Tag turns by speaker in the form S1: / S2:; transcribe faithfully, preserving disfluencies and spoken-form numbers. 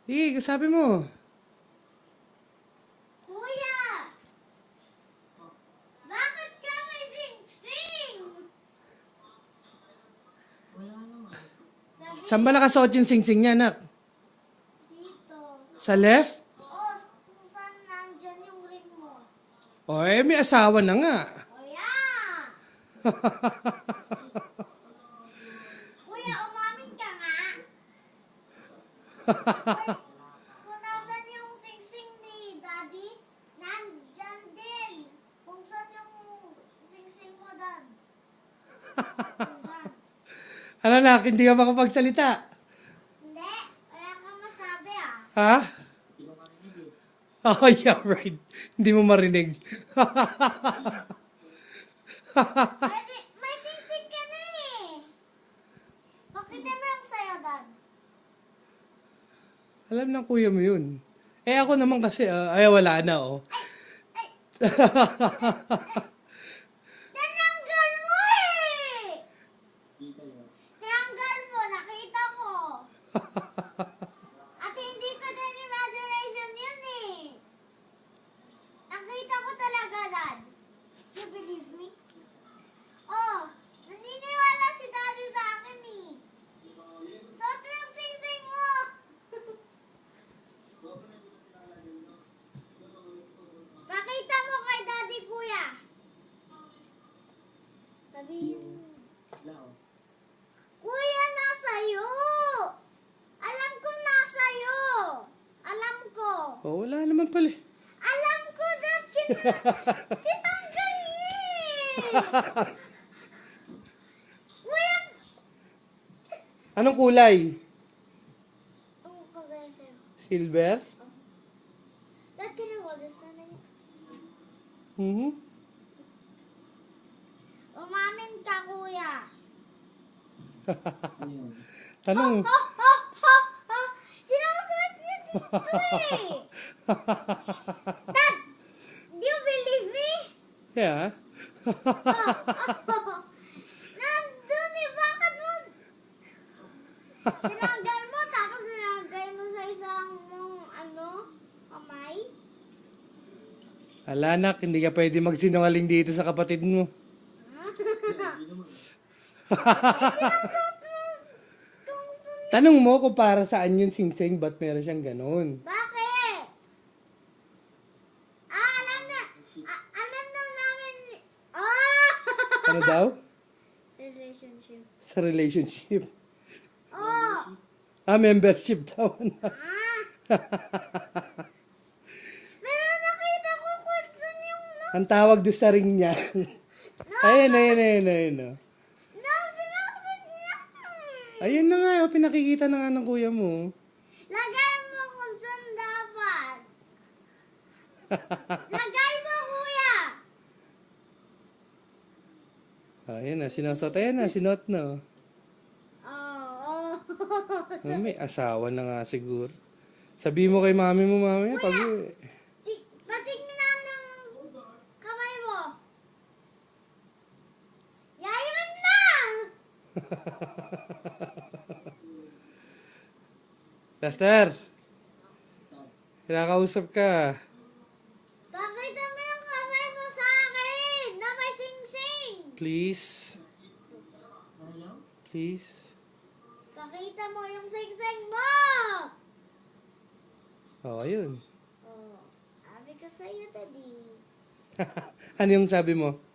S1: Sige, sabi mo.
S2: Kuya! Bakit ka may sing-sing? Sabi
S1: Saan ba nakasuot yung sing-sing niya, anak?
S2: dito.
S1: Sa left?
S2: Oh, kung saan nandyan yung ring mo.
S1: O, eh, may asawa na nga.
S2: O yan! Kuya, umamin ka nga. Kung nasan yung sing-sing ni Daddy, nandyan din. Kung saan yung sing-sing mo, Dad. Nandyan.
S1: Ano na, hindi ka makapagsalita.
S2: Hindi, wala kang masabi ah.
S1: Ha? Oh, yeah, right. Hindi mo marinig.
S2: Pwede, may sing-sing ka na eh. Pakita mo yung sayo, Dad.
S1: Alam ng kuya mo yun. Eh, ako naman kasi, ah, ay, wala na, oh.
S2: Ay, tinanggal mo eh! Tinanggal mo, nakita ko. At hindi ko din imagination yun eh. Nakita ko talaga, Dad. You believe me? Oh, naniniwala si Daddy sa akin eh. Suot mo yung sing-sing mo. Pakita mo kay Daddy, Kuya. Sabihin mo. Kuya, nasa'yo. Alam ko nasa'yo. Alam ko.
S1: Oh, wala naman pala. eh.
S2: Alam ko, Dad. Kin- Tinanggal niya eh. Kuya.
S1: Anong kulay?
S2: Ang kagaya sa'yo.
S1: Silver?
S2: Dad, can you hold this for a minute?
S1: Mhm.
S2: Umamin ka, Kuya.
S1: Tanong.
S2: Ha, ha, ha, ha. Sinusuot niya dito eh. Dad, do you believe me?
S1: Yeah.
S2: Nandun eh, bakit mo? Tinanggal mo, tapos nilagay mo sa isang mong, ano, kamay?
S1: Ala, anak, hindi ka pwede magsinungaling dito sa kapatid mo.
S2: Sinusuot mo kung saan.
S1: Tanong mo kung para saan yung sing-sing, ba't meron siyang ganun?
S2: Bakit? Ah, alam na. Ah, alam na namin. Ah!
S1: Ano daw?
S2: Relationship.
S1: Sa relationship.
S2: Oh!
S1: Ah, membership daw.
S2: Ah! Pero nakita ko kung saan yung no.
S1: Ang tawag doon sa ring niya. Ayun, ayun, ayun, ayun. oh.
S2: No, sinusuot niya.
S1: Ayun na nga, oh, pinakikita na nga ng kuya mo.
S2: Lagay mo kung saan dapat. Lagay mo, kuya.
S1: Ayun na, sinusot. Ayun na, sinot na. oh.
S2: Oh, oh.
S1: Ah, may asawa na nga siguro. Sabi mo kay mami mo, mami, pag uwi.
S2: Ti- Patingnan ng kamay mo. Yayon na!
S1: Lester, kinakausap ka.
S2: Pakita mo yung kamay mo sa akin na may sing-sing.
S1: Please. Please.
S2: Pakita mo yung sing-sing mo.
S1: Oh, ayun.
S2: Oh, sabi ko sa'yo, Daddy.
S1: Ano yung sabi mo?